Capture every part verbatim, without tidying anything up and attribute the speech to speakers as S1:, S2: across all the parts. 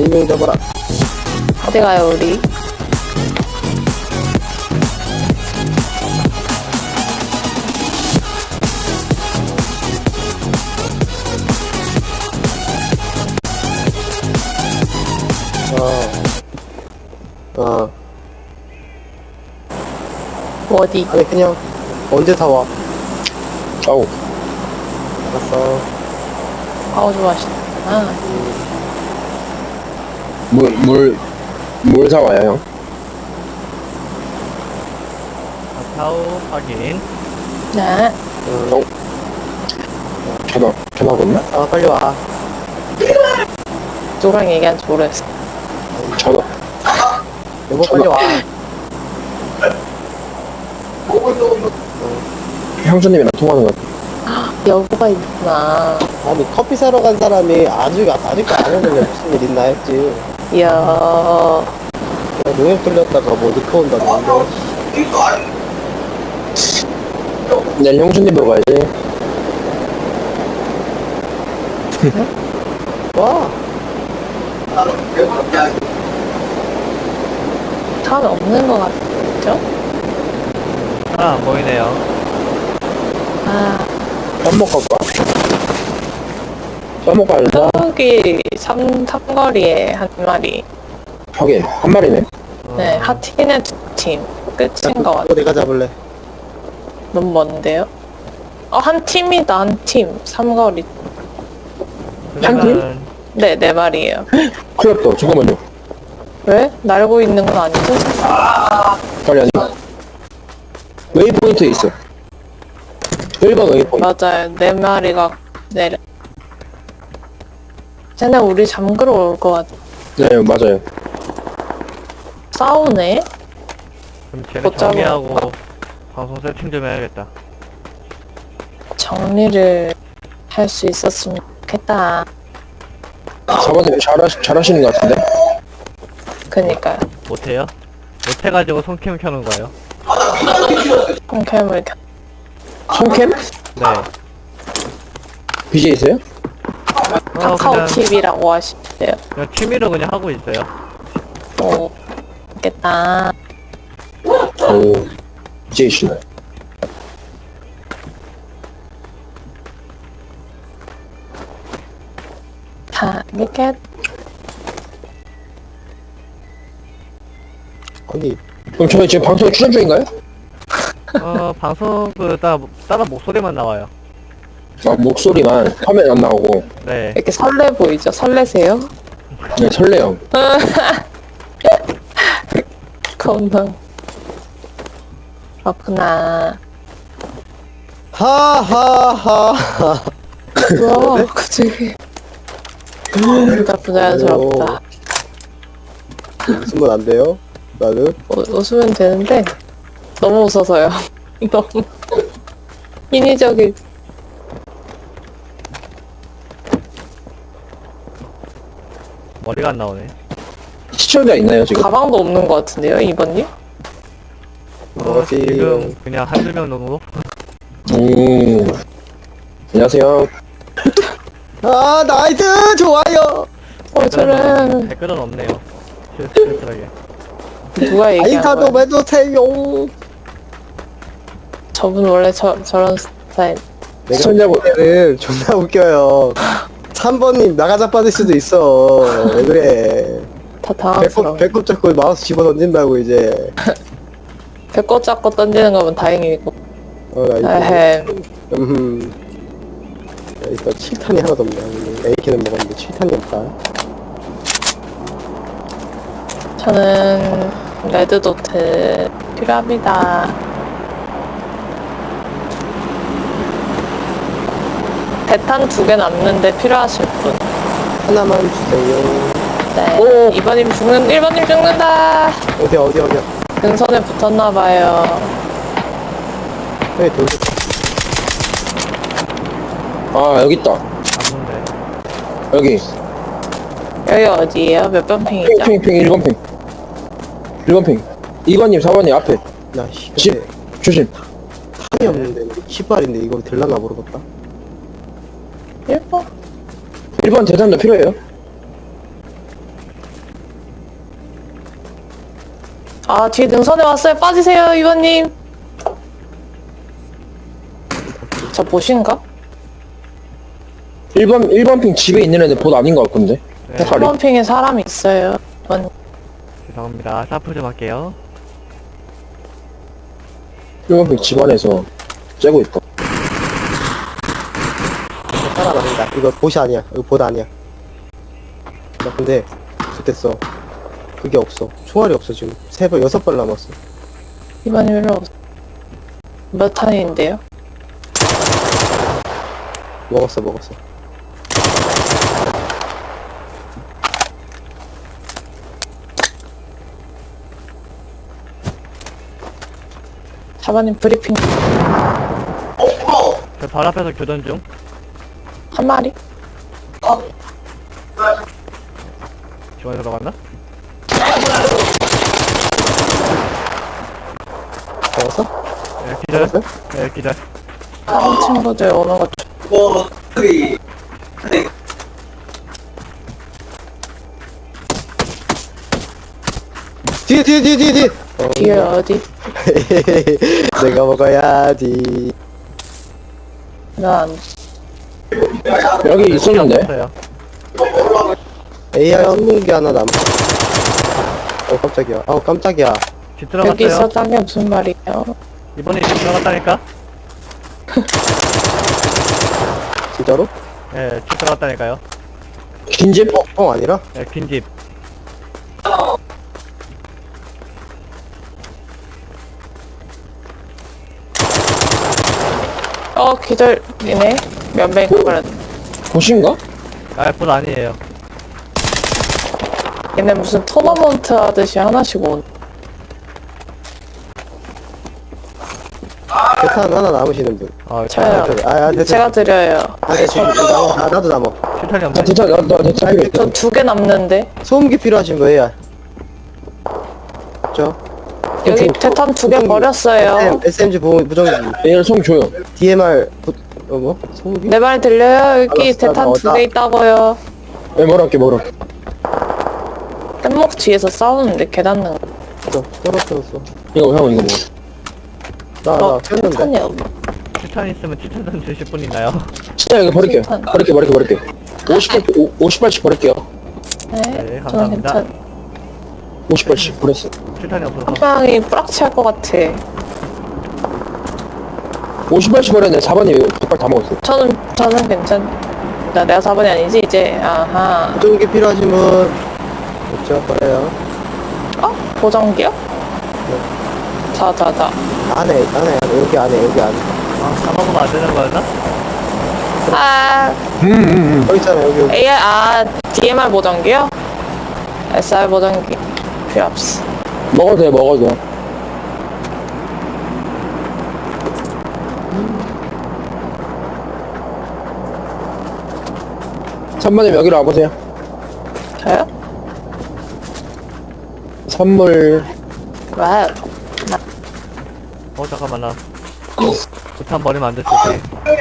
S1: 인명 잡아라.
S2: 어디 가요 우리?
S1: 어. 어.
S2: 어디?
S1: 아니 그냥 언제 다 와?
S3: 아우.
S1: 알았어.
S2: 아우 좋아하시구나.
S3: 물, 물, 물 사와요, 형?
S4: 타오 확인.
S2: 네.
S1: 응.
S3: 전화, 전화 왔나?
S1: 아 빨리 와.
S2: 누구랑 얘기한지 모르겠어.
S3: 전화.
S1: 여보 빨리 와.
S3: 형수님이랑 통화하는 것 같아.
S2: 여보가 있구나.
S1: 아니 커피 사러 간 사람이 아직 아직도 안 오는데 무슨 일 있나 했지.
S2: 이야.
S1: 내가 농협 돌렸다가 뭐 늦게 온다는데.
S3: 내일 형수님 보고 가야지.
S1: 와.
S2: 사람이 없는 것 같죠?
S4: 하나 안 보이네요.
S2: 아,
S3: 밥 먹고 갈까? 밥 먹고 갈까?
S2: 저기 삼, 삼거리에 한 마리.
S3: 하긴, 한 마리네.
S2: 네, 하팀에 두 팀. 끝인 것 같아.
S1: 그거 내가 잡을래.
S2: 너무 먼데요? 어, 한 팀이다, 한 팀. 삼거리.
S3: 한 팀?
S4: 그러면
S2: 네, 네 마리예요.
S3: 큰일 났다. 잠깐만요.
S2: 왜? 날고 있는 건 아니죠?
S3: 빨리 아니. 웨이포인트에 있어. 일 번 웨이포인트.
S2: 맞아요. 네 마리가 내려. 쟤네 우리 잠그러 올 것 같아.
S3: 네, 맞아요.
S2: 싸우네?
S4: 그럼 쟤네
S2: 못 잡아.
S4: 정리하고 방송 세팅 좀 해야겠다.
S2: 정리를 할 수 있었으면 좋겠다.
S3: 사번님 잘하시, 잘하시는 것 같은데?
S2: 그니까요.
S4: 못해요? 못해가지고 손캠 켜는 거예요.
S2: 콩캠을 켜.
S3: 손캠?
S4: 네.
S3: 비제이세요?
S4: 어,
S2: 카카오
S4: 그냥,
S2: 티비라고 하시대요.
S4: 그냥 취미로 그냥 하고 있어요.
S2: 오, 좋겠다.
S3: 오, 비제이시네.
S2: 다, 이렇게.
S1: 아니
S3: 그럼 저희 지금 방송에 출연 중인가요?
S4: 어, 방송 그 따, 따라 목소리만 나와요.
S3: 아, 목소리만 화면 안 나오고.
S4: 네.
S2: 이렇게 설레 보이죠? 설레세요?
S3: 네, 설레요.
S2: 겁나. 그렇구나.
S1: 하하하.
S2: 우와, 갑자기. 진짜 부자연스럽다.
S1: 웃으면 안 돼요? 나는
S2: 우, 웃으면 되는데, 너무 웃어서요. 너무. 인위적인.
S4: 머리가 안 나오네.
S3: 시청자 있나요, 지금?
S2: 가방도 없는 것 같은데요, 이번님?
S4: 어,
S1: 어디
S4: 지금 그냥 한두 명 정도?
S3: 오. 안녕하세요.
S1: 아 나이스 좋아요.
S2: 어, 저는,
S4: 댓글은 없네요. 실수하게.
S2: 누가 얘기한
S1: 아이타도
S2: 거야?
S1: 해주세요.
S2: 저분 원래 저, 저런 스타일.
S1: 내가
S3: 시청자분,
S1: 는 존나 웃겨요. 삼 번님 나가자 받을 수도 있어. 왜 그래?
S2: 다
S1: 배꼽
S2: 당황스러워.
S1: 배꼽 잡고 마우스 집어 던진다고 이제.
S2: 배꼽 잡고 던지는 거면 다행이고.
S1: 어, 나 이거.
S2: 에헴.
S1: 음. 야, 이거 칠 탄이 하나도 없네. 에이케는 먹었는데 칠 탄이 없다.
S2: 저는 레드도트 필요합니다. 대탄 두 개 남는데 필요하실 분.
S1: 하나만 주세요.
S2: 네.
S3: 오.
S2: 이 번님 죽는, 일 번님 죽는다!
S1: 어디 어디 어디야?
S2: 근선에 붙었나봐요.
S1: 왜 돌?
S3: 아, 여기 있다.
S4: 안 본데.
S3: 여기.
S2: 여기 어디에요? 몇 번 핑이죠?
S3: 핑, 핑, 일 번 핑. 일 번 핑. 이 번님, 사 번님 앞에.
S1: 야 씨.
S3: 집, 조심.
S1: 탄이 없는데 시발인데 이거 될라나 모르겠다.
S2: 일 번?
S3: 일 번 대단도 필요해요?
S2: 아, 뒤에 능선에 왔어요. 빠지세요, 이번님. 저 보신가?
S3: 일 번, 일 번 핑 집에 있는 애들 봇 아닌 것 같은데?
S4: 네,
S3: 색깔이.
S2: 삼 번 핑에 사람이 있어요. 이번
S4: 죄송합니다. 사프 좀 할게요.
S3: 일 번 핑 집 안에서 째고 있다.
S1: 사람 아니다. 이거 보시 아니야. 이거 보다 아니야. 나 근데 그랬어. 그게 없어. 총알이 없어 지금. 세 발, 여섯 발 남았어.
S2: 이번님 일로 오세요. 몇 탄인데요?
S1: 먹었어, 먹었어.
S2: 사번님 브리핑
S4: 저 바로 앞에서 교전 중.
S2: 한 마리?
S4: 지원에 들어갔나?
S1: 먹었어?
S4: 네, 기절.
S1: 먹었어요?
S4: 네, 기절.
S2: 다른 친구들 오는 거 좀-
S1: 뒤에, 뒤에, 뒤에, 뒤에, 뒤에. 어,
S2: 뒤에 어디?
S1: 내가 먹어야지.
S2: 난
S3: 여기 있었는데?
S4: 없어요.
S1: 에이아이 스무 개 하나 남아. 어, 깜짝이야. 아우, 깜짝이야.
S4: 집
S2: 여기
S4: 들어갔어요.
S2: 있었다는 게 무슨 말이에요?
S4: 이번에 집 들어갔다니까?
S1: 진짜로?
S4: 네, 집 들어갔다니까요.
S3: 긴 집?
S1: 어, 아니라?
S4: 네, 긴 집.
S2: 어 기절이네. 몇 명이 가버렸네.
S3: 봇인가?
S4: 아, 봇 아니에요.
S2: 얘네 무슨 토너먼트 하듯이 하나씩 온.
S1: 대탄 하나 남으시는 분.
S4: 아,
S2: 저요.
S1: 아, 아, 대탄.
S2: 제가 드려요.
S1: 아, 대탄. 남아. 아, 나도 남아.
S4: 실탄이
S3: 나
S4: 없네.
S3: 대차, 나, 나 대차 필요 있다.
S2: 저 두 개 남는데.
S1: 소음기 필요하신 거예요? 저
S2: 여기 대탄 두 개 버렸어요.
S1: 에스엠지 보호 무정기
S3: 얘를 송 줘요.
S1: 디엠알 부, 어 뭐? 소음기?
S2: 내 말 들려요? 여기
S1: 알았어,
S2: 대탄 두
S1: 알았어.
S2: 개 있다고요.
S3: 예, 뭐랄게, 뭐랄게.
S2: 뗏목 뒤에서 싸우는데 계단 능.
S1: 어, 떨어졌어.
S3: 이거, 형, 이거 뭐.
S1: 나, 나
S2: 어,
S1: 켰는데.
S2: 대탄이 없네.
S4: 실탄 있으면 칠탄 좀 주실 분 있나요?
S3: 진짜 이거 버릴게요.
S2: 실탄.
S3: 버릴게, 버릴게, 버릴게. 오십 발, 오, 오십 발씩 버릴게요.
S2: 네,
S4: 네,
S2: 저는
S4: 감사합니다.
S2: 괜찮.
S3: 오십 발씩 버렸어.
S4: 실탄이 없어서.
S2: 한 방이 뿌락치 할 것 같아.
S3: 오십 발씩 버렸는데 사 번이 백 발 다 먹었어.
S2: 저는 저는 괜찮. 나 내가 사 번이 아니지 이제. 아하.
S1: 무정기 필요하신 분 없죠? 거예요.
S2: 어? 보정기요? 자, 자, 자.
S1: 안에, 안에, 안에, 여기 안에, 여기 안에.
S4: 아, 다 먹으면 안 되는 거였나?
S2: 아,
S1: 여기 있잖아, 여기, 여기.
S2: 에이알, 아, 디엠알 보정기요? 에스알 보정기 필요 없어.
S3: 먹어도 돼, 먹어도 돼. 삼 번님 여기로 와보세요.
S2: 저요?
S3: 선물.
S2: 와우.
S4: 어, 잠깐만, 나. 부탄 버리면 안 됐을 때.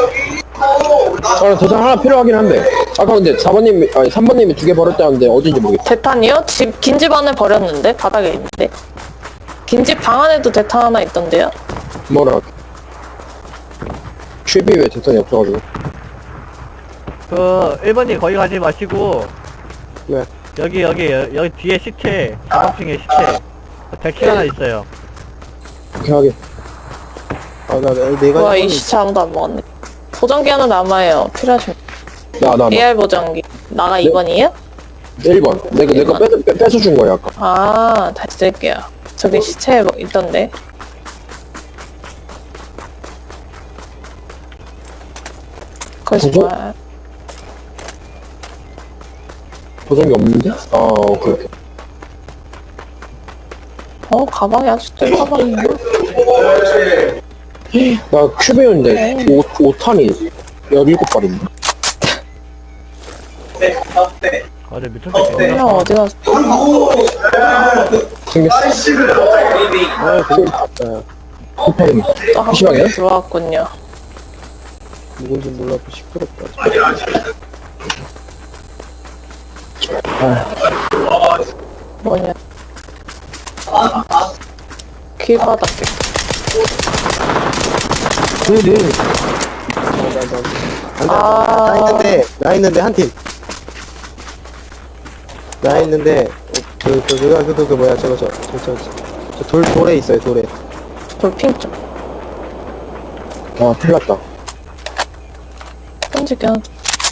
S3: 아, 대상 하나 필요하긴 한데. 아까 근데 사 번님, 아니 삼 번님이 두 개 버렸다는데 어딘지 모르겠어.
S2: 대탄이요? 집, 긴 집 안에 버렸는데? 바닥에 있는데? 긴 집 방 안에도 대탄 하나 있던데요?
S3: 뭐라. 슈비 왜 대상이 없어가지고.
S4: 그, 일 번님 거기 가지 마시고,
S1: 왜?
S4: 여기, 여기, 여- 여기 뒤에 시체, 가방층에 시체. 데키 하나 있어요.
S3: 그렇게 하게.
S1: 아, 나, 나, 내가.
S2: 와, 이
S1: 이거는-
S2: 시체 아무도 안 먹었네. 보정기 하나 남아요. 필요하시면.
S3: 나, 나, 나.
S2: 에이알 보정기. 나가 이 번이에요?
S3: 일 번. 내가, 내가 뺏, 뺏, 뺏어준 거야, 아까.
S2: 아, 다시 드릴게요. 저기 시체 뭐 있던데. 거짓말.
S3: 보정이 없는데? 아, 오케이, 오케이.
S2: 어, 가방이 아주 뜰 가방이네.
S3: 나 큐베였는데, 오, 오 탄이 열일곱 발인데.
S4: 아, 내 미쳤을 때.
S2: 그냥 어디 갔어?
S3: 생겼어.
S1: 아, 그, 아,
S3: 쿠팡이.
S2: 또한
S3: 시방이야?
S2: 번 들어왔군요.
S1: 누군지 몰라도 시끄럽다.
S2: 뭐냐. 길바닥.
S3: 네네.
S1: 안돼
S2: 아.
S1: 나 있는데 나 있는데 한팀 나 있는데 그 그 그 그 그 그 뭐야 저거 저저저돌 돌에 있어요 돌에.
S2: 돌핑 좀.
S3: 아, 큰일 났다.
S2: 던지게 하자.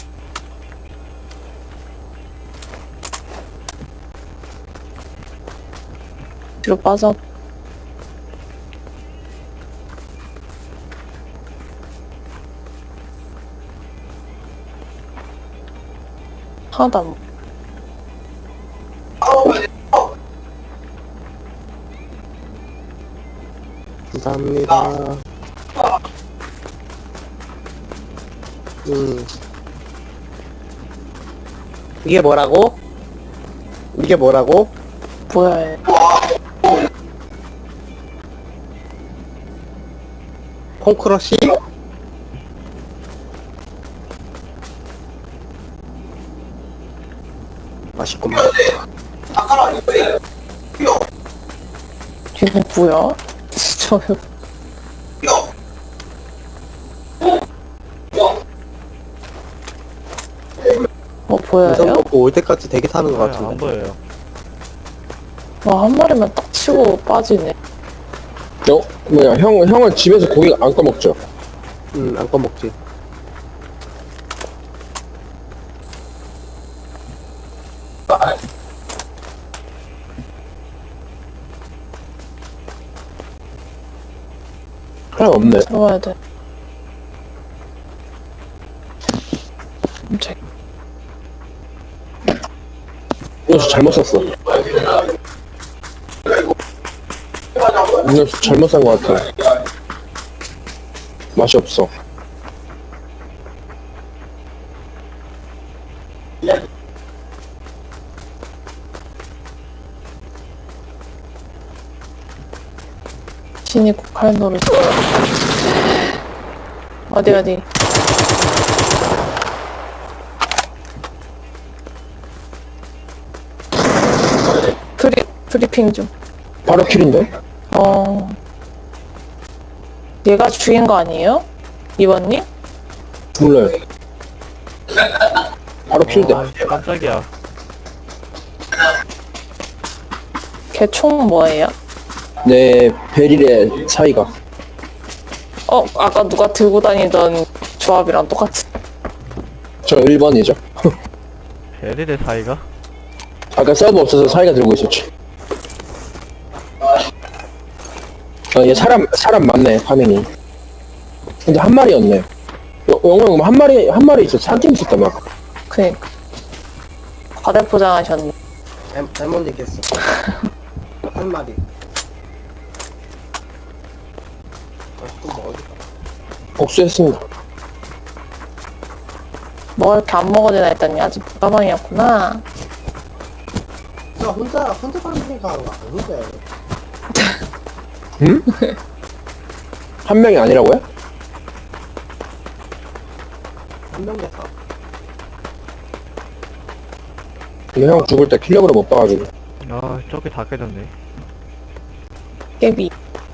S2: 뒤로 빠져. 하나도 안
S1: 감사합니다. 음. 이게 뭐라고? 이게 뭐라고?
S2: 뭐야 얘.
S1: 콩크러쉬? 맛있구만.
S2: 얘는 뭐야? 진짜 어
S1: 우선
S2: 보여요?
S1: 먹고 올 때까지 대기 타는 것
S4: 아, 안
S1: 같은데.
S4: 보여요.
S2: 와 한 마리만 딱 치고 빠지네.
S3: 어? 뭐야, 형, 형은 집에서 고기 안 꺼먹죠?
S1: 응, 안 꺼먹지.
S3: 하나 없네.
S2: 들어와야 돼. 깜짝.
S3: 이거 잘못 샀어. 이거 잘못 산 것 같아. 맛이 없어.
S2: 진이 국할 노릇. 어디 어디. 브리 브리핑 좀.
S3: 바로 킬인데?
S2: 어. 얘가 죽인 거 아니에요? 이번님?
S3: 몰라요. 바로 킬대.
S4: 아, 깜짝이야.
S2: 걔 총 뭐예요?
S3: 내 베릴의 사이가.
S2: 어 아까 누가 들고 다니던 조합이랑 똑같이.
S3: 저 일 번이죠.
S4: 베릴의 사이가?
S3: 아까 서브 없어서 사이가 들고 있었지. 아, 얘 사람, 사람 많네, 파밍이. 근데 한 마리였네. 영영 한 마리, 한 마리 있어. 한 팀 있었다며.
S2: 그니까. 과대포장하셨네.
S1: 잘, 잘못 얘기했어. 한 마리. 아, 또뭐 어디
S3: 복수했습니다.
S2: 뭐 이렇게 안 먹어지나 했더니 아직 가방이었구나.
S1: 저 혼자, 혼자 방송가 아닌데.
S3: 응? 한 명이 아니라고요?
S1: 한명 됐다.
S3: 근데 형 죽을 때 킬력으로 못 봐가지고.
S4: 아, 저기 다 깨졌네.
S2: 깨비.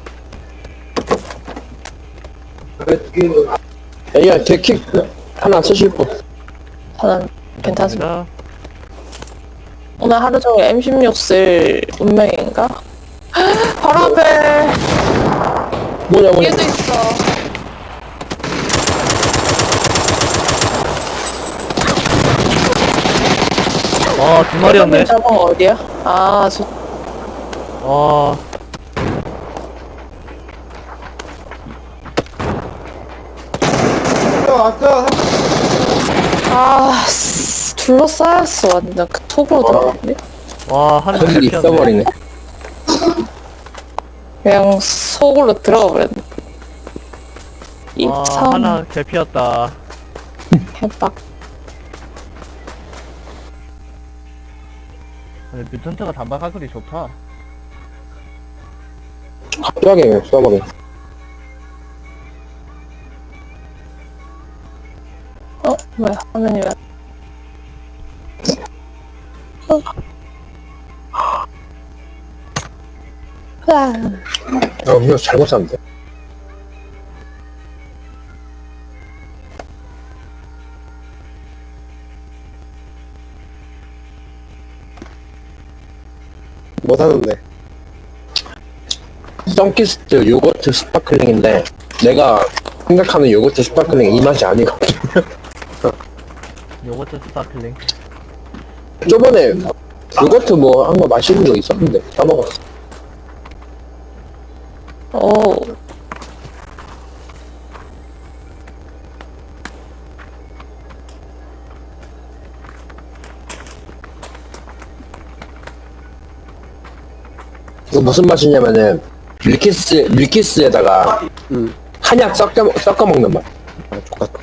S3: 에이야, 개킥 하나 쓰실 분.
S2: 저는 괜찮습니다.
S4: 감사합니다.
S2: 오늘 하루 종일 엠 십육 쓸 운명인가? 바로 앞에
S3: 뭐냐, 뭐냐.
S2: 얘도 있어.
S4: 아, 두 마리였네.
S2: 잡은 거 어디야? 아, 저
S4: 와,
S1: 왔어, 왔어.
S2: 아, 씨, 둘러싸였어 완전 그 톡으로 들어갔네.
S4: 와, 하늘
S3: 거기
S4: 피었네.
S3: 있어버리네.
S2: 그냥 속으로 들어가 버렸네.
S4: 와,
S2: 입참
S4: 하나 개 피었다.
S2: 해박.
S4: 근데 뮤턴트가 단발 가글이 좋다.
S3: 갑자기 쏴버리네.
S2: 어, 뭐야 화면이 왜? 어. 아,
S3: 아, 이거 잘못 샀는데.
S1: 뭐 사는데?
S3: 썬키스트 요거트 스파클링인데 내가 생각하는 요거트 스파클링 이 맛이 아니거든.
S4: 요거트 스파클링.
S3: 저번에 요거트 뭐 한 거 마시는 거 있었는데 까먹었어.
S2: 오.
S3: 이거 무슨 맛이냐면은 밀키스 밀키스에다가
S1: 응.
S3: 한약 섞여 먹- 섞어 먹는 맛.
S1: 아, 족같다.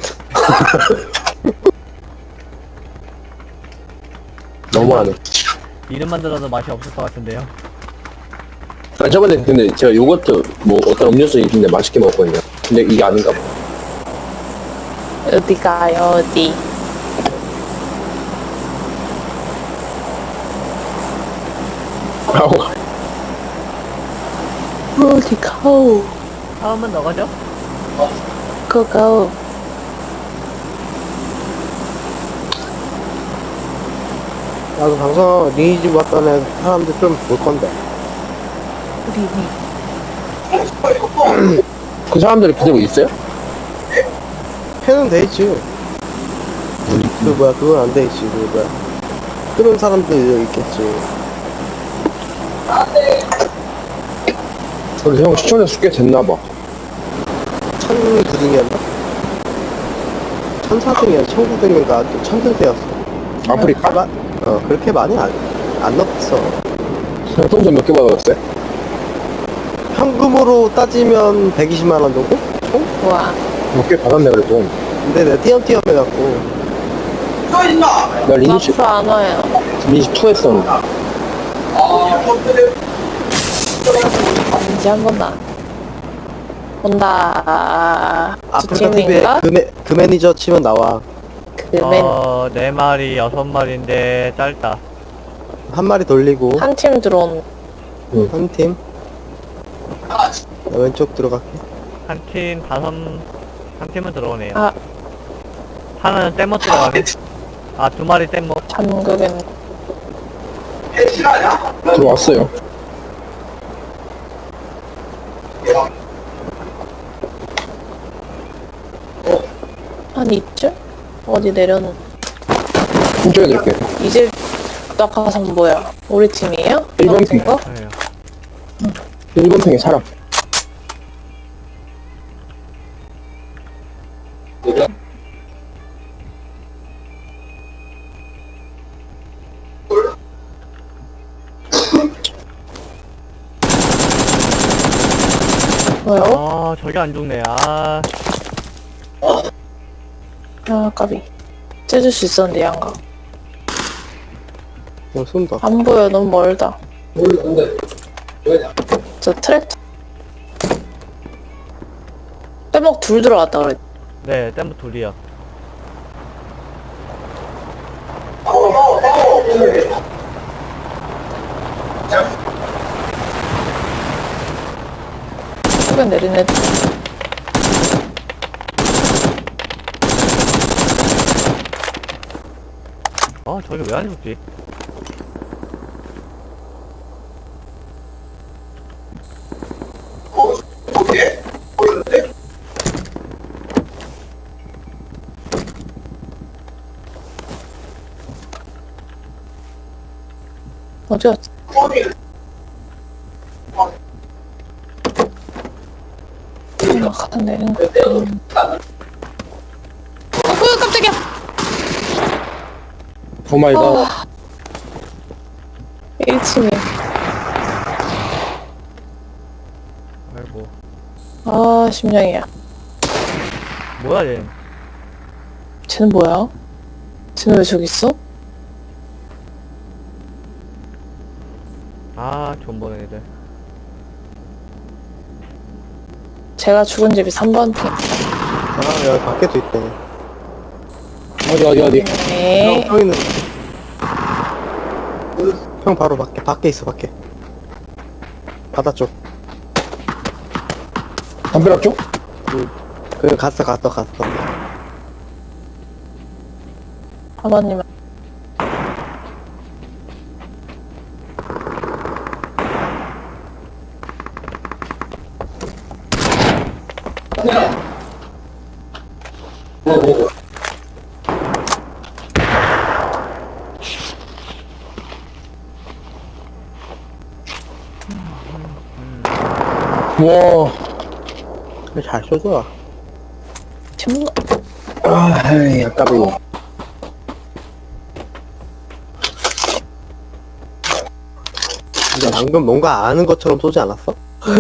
S3: 너무하네.
S4: 이름만 들어도 맛이 없을 것 같은데요.
S3: 아, 저번에 근데 제가 요거트 뭐 어떤 음료수 있는데 맛있게 먹었거든요. 근데 이게 아닌가 봐.
S2: 어디 가요, 어디?
S3: 아우,
S2: 어디 가오?
S4: 다음은 너가죠?
S2: 고고.
S1: 나도 방송 리니지 왔던 사람들 좀 볼 건데.
S2: 우리
S3: 그 사람들이 그대로 있어요?
S1: 패는 돼 있지. 그 뭐야, 그건 안 돼 있지. 그 뭐야. 그런 사람들 있겠지.
S3: 그래서 형 시청자 수 꽤 됐나봐.
S1: 천구 등이었나? 천사 등이야, 천구 등인가? 천등 때였어.
S3: 아프리카?
S1: 마, 어, 그렇게 많이 안, 안 넣었어.
S3: 통장 몇 개 받았어요?
S1: 현금으로 따지면 백이십만 원 정도? 총?
S2: 와.
S3: 몇 개 받았네 그래도.
S1: 근데 내가 띄엄띄엄 해갖고.
S3: 나 리니지
S2: 앞으로 안 와요.
S3: 리니지 투 했었는데.
S2: 이제 한 번 나. 온다. 두
S1: 아프리카 티비에
S2: 팀인가?
S1: 그, 매, 그 매니저 치면 나와.
S2: 그맨
S4: 어, 네 마리, 여섯 마리인데 짧다.
S1: 한 마리 돌리고,
S2: 한 팀 들어온.
S1: 한 팀. 나 왼쪽 들어갈게.
S4: 한 팀 다섯, 한 팀은 들어오네요.
S2: 아,
S4: 하나는 떼모 들어가네. 아, 두 마리 떼모.
S2: 잠그겠네.
S3: 들어왔어요.
S2: 한 이쯤? 어디 내려놓.
S3: 힘줘야 될게.
S2: 이제 딱 가서 뭐야? 우리 팀이에요?
S3: 일본
S2: 떨어진
S3: 팀.
S2: 거?
S4: 아유,
S3: 일 번 팽에 사람.
S2: 뭐요?
S4: 아, 저게 안 죽네. 아,
S2: 아, 까비. 째줄 수 있었는데, 양가.
S1: 어, 쏜다.
S2: 안 보여, 너무 멀다. 저 트랙. 빼먹 둘 들어왔다 그랬.
S4: 네, 떼모 둘이요.
S2: 속에 내린 애들.
S4: 아, 저게 왜 안 죽지?
S2: 어디 갔지? 막 가다 내린 거. 음. 어, 뭐야, 깜짝이야!
S3: 오마이갓.
S2: 어. 일 층에.
S4: 아이고.
S2: 아, 심장이야.
S4: 뭐야, 얘.
S2: 쟤는 뭐야? 쟤는 왜 저기 있어?
S4: 아, 존버네, 애들.
S2: 제가 죽은 집이 삼 번 팀.
S1: 아, 여기 밖에도 있대.
S3: 어디 어디 어디.
S2: 네.
S1: 형, 형 있는. 형 바로 밖에, 밖에 있어, 밖에. 바다 쪽.
S3: 담벼락 쪽?
S1: 그래 갔어 갔어 갔어.
S2: 아버님.
S3: 와,
S1: 그래, 잘 쏘죠.
S2: 지금
S3: 아, 에이, 아까비.
S1: 근데 방금 뭔가 아는 것처럼 쏘지 않았어?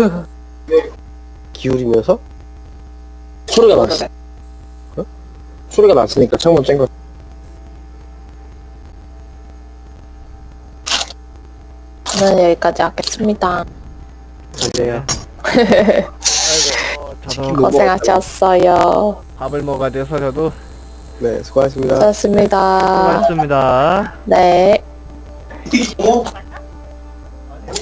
S1: 기울이면서?
S3: 소리가 났어. 어? 소리가 났으니까 창문 짠 거.
S2: 저는 여기까지 하겠습니다.
S1: 안돼요.
S4: 아이고 저도
S1: 뭐-
S2: 고생하셨어요.
S4: 밥을 먹어야 돼서 저도
S1: 네 수고하셨습니다.
S2: 고맙습니다.
S4: 수고하셨습니다.
S2: 네.